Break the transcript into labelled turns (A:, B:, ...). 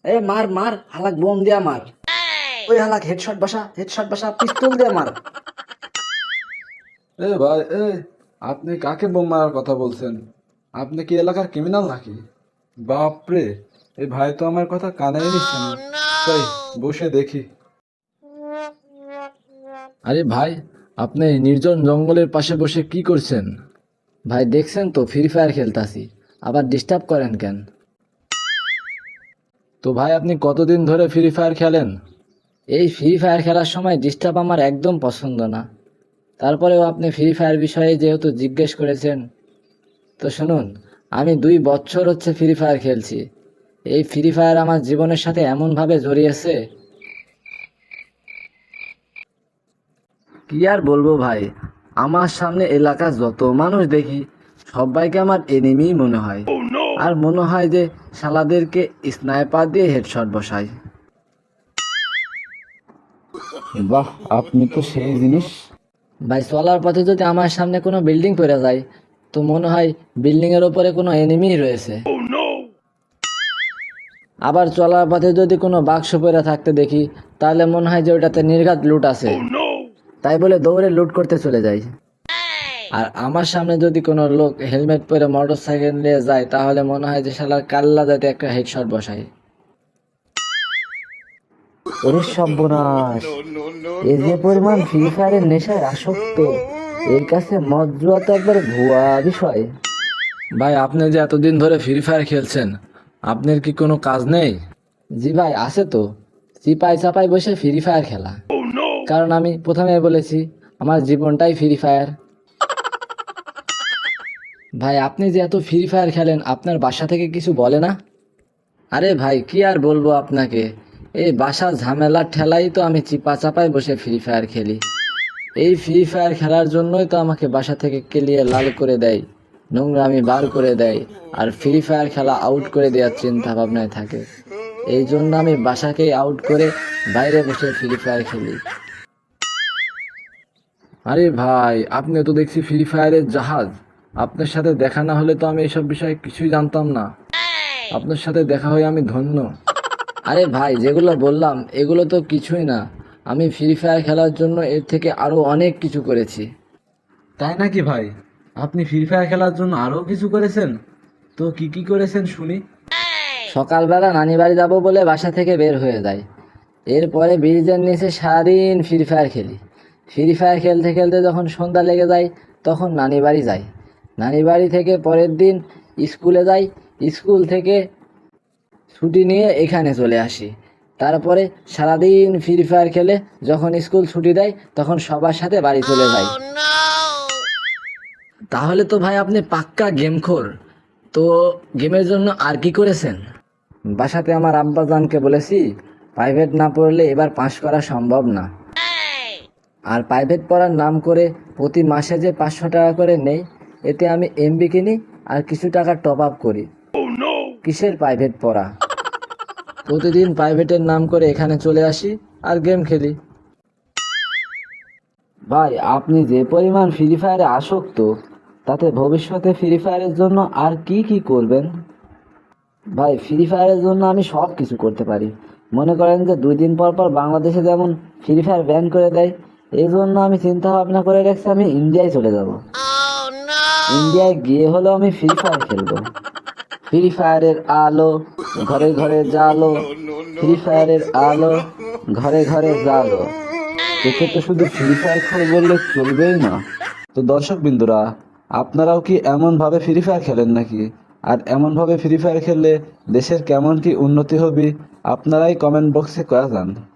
A: এ মার মার, হালাক বোম দিয়া মার। ওই হালাক হেডশট বসা, পিস্তল দিয়া মার।
B: এ ভাই, আপনি কাকে বোম মারার কথা বলছেন? আপনি কি এলাকার ক্রিমিনাল নাকি? বাপরে, এই ভাই তো আমার কথা কানেই নিচ্ছে না। তাই বসে দেখি। আরে ভাই, আপনি নির্জন জঙ্গলের পাশে বসে কি করছেন?
A: ভাই দেখছেন তো ফ্রি ফায়ার খেলতাছি, আবার ডিস্টার্ব করেন কেন?
B: তো ভাই, আপনি কতদিন ধরে ফ্রি ফায়ার খেলেন?
A: এই ফ্রি ফায়ার খেলার সময় ডিস্টার্ব আমার একদম পছন্দ না। তারপরেও আপনি ফ্রি ফায়ার বিষয়ে যেহেতু জিজ্ঞেস করেছেন, তো শুনুন, আমি 2 বছর হচ্ছে ফ্রি ফায়ার খেলছি। এই ফ্রি ফায়ার আমার জীবনের সাথে এমনভাবে জড়িয়েছে, কি আর বলবো ভাই। আমার সামনে এলাকার যত মানুষ দেখি, সবাইকে আমার এনিমি মনে হয়। আর মনে হয় যে শালাদেরকে স্নাইপার দিয়ে হেডশট বসাই।
B: বাহ, আপনি তো সেই জিনিস।
A: ভাই চলার পথে যদি আমার সামনে কোনো বিল্ডিং পড়ে যায়, তো মনে হয় বিল্ডিং এর উপরে কোনো এনিমি রয়েছে। আবার চলার পথে যদি কোনো বাক্স পড়ে থাকতে দেখি, তাহলে মনে হয় যে ওটাতে নির্ঘাত লুট আছে। তাই বলে দৌড়ে লুট করতে চলে যাই। আর আমার সামনে যদি কোনো লোক হেলমেট পরে মোটর সাইকেল নিয়ে যায়, তাহলে মনে হয় যে শালার কাল্লা যাতে একটা হেডশট বসাই। ওরে সর্বনাশ, এই যে পরিমাণ ফ্রি ফায়ারের নেশায় আসক্ত, এর কাছে মদ জুয়া তো একবার ভুয়া বিষয়।
B: ভাই, আপনি যে এতদিন ধরে ফ্রি ফায়ার খেলছেন, আপনার কি কোনো কাজ নেই?
A: জি ভাই, আছে তো। চিপাই চাপাই বসে ফ্রি ফায়ার খেলা। কারণ আমি প্রথমে বলেছি, আমার জীবনটাই ফ্রি ফায়ার। ভাই আপনি যে এত ফ্রি ফায়ার খেলেন, আপনার বাসা থেকে কিছু বলে না? আরে ভাই কি আর বলবো আপনাকে, এই বাসার ঝামেলার ঠেলাই তো আমি চিপা চাপায় বসে ফ্রি ফায়ার খেলি। এই ফ্রি ফায়ার খেলার জন্যই তো আমাকে বাসা থেকে কেলিয়ে লাল করে দেয়, নোংরামি বার করে দেয়, আর ফ্রি ফায়ার খেলা আউট করে দেওয়ার চিন্তা ভাবনায় থাকে। এই জন্য আমি বাসাকেই আউট করে বাইরে বসে ফ্রি ফায়ার খেলি।
B: আরে ভাই, আপনি তো দেখছি ফ্রি ফায়ারের জাহাজ। আপনার সাথে দেখা না হলে তো আমি এসব বিষয়ে কিছুই জানতাম না। আপনার সাথে দেখা হয়ে আমি ধন্য।
A: আরে ভাই যেগুলো বললাম এগুলো তো কিছুই না, আমি ফ্রি ফায়ার খেলার জন্য এর থেকে আরো অনেক কিছু করেছি।
B: তাই নাকি ভাই? আপনি ফ্রি ফায়ার খেলার জন্য আরো কিছু করেছেন? তো কি কি করেছেন শুনি।
A: সকালবেলা নানি বাড়ি যাবো বলে বাসা থেকে বের হয়ে যায়। এরপরে ব্রিজের নিচে সারাদিন ফ্রি ফায়ার খেলি। ফ্রি ফায়ার খেলতে খেলতে যখন সন্ধ্যা লেগে যায়, তখন নানি বাড়ি যাই। নানি বাড়ি থেকে পরের দিন স্কুলে যাই। স্কুল থেকে ছুটি নিয়ে এখানে চলে আসি। তারপরে সারাদিন ফ্রি ফায়ার খেলে যখন স্কুল ছুটি দেয়, তখন সবার সাথে বাড়ি চলে যাই। তাহলে তো ভাই আপনি পাক্কা গেমখোর। তো গেমের জন্য আর কি করেছেন? বাসাতে আমার আব্বাজানকে বলেছি, প্রাইভেট না পড়লে এবার পাশ করা সম্ভব না। আর প্রাইভেট পড়ার নাম করে প্রতি মাসে যে 500 টাকা করে নেই, এতে আমি এমবি কিনি আর কিছু টাকা টপ আপ করি। কিসের প্রাইভেট পড়া? প্রতিদিন প্রাইভেটের নাম করে এখানে চলে আসি আর গেম খেলি। ভাই আপনি যে পরিমাণ ফ্রি ফায়ারে আসক্ত, তাতে ভবিষ্যতে ফ্রি ফায়ারের জন্য আর কি কি করবেন? ভাই ফ্রি ফায়ারের জন্য আমি সব কিছু করতে পারি। মনে করেন যে 2 দিন পর পর বাংলাদেশে যেমন ফ্রি ফায়ার ব্যান করে দেয়, এই জন্য আমি চিন্তা ভাবনা করে রাখছি আমি ইন্ডিয়ায় চলে যাব। ইন্ডিয়ায় গিয়ে হলো আমি ফ্রি ফায়ার খেলবো। ফ্রি ফায়ারের আলো ঘরে ঘরে জালো, ফ্রি ফায়ারের আলো ঘরে ঘরে জালো।
B: তোকে তো শুধু ফ্রি ফায়ার খেলে বললে চলবেই না। তো দর্শক বিন্দুরা, আপনারাও কি এমন ভাবে ফ্রি ফায়ার খেলেন নাকি? আর এমন ভাবে ফ্রি ফায়ার খেললে দেশের কেমন কি উন্নতি হবে, আপনারাই কমেন্ট বক্সে কয়া যান।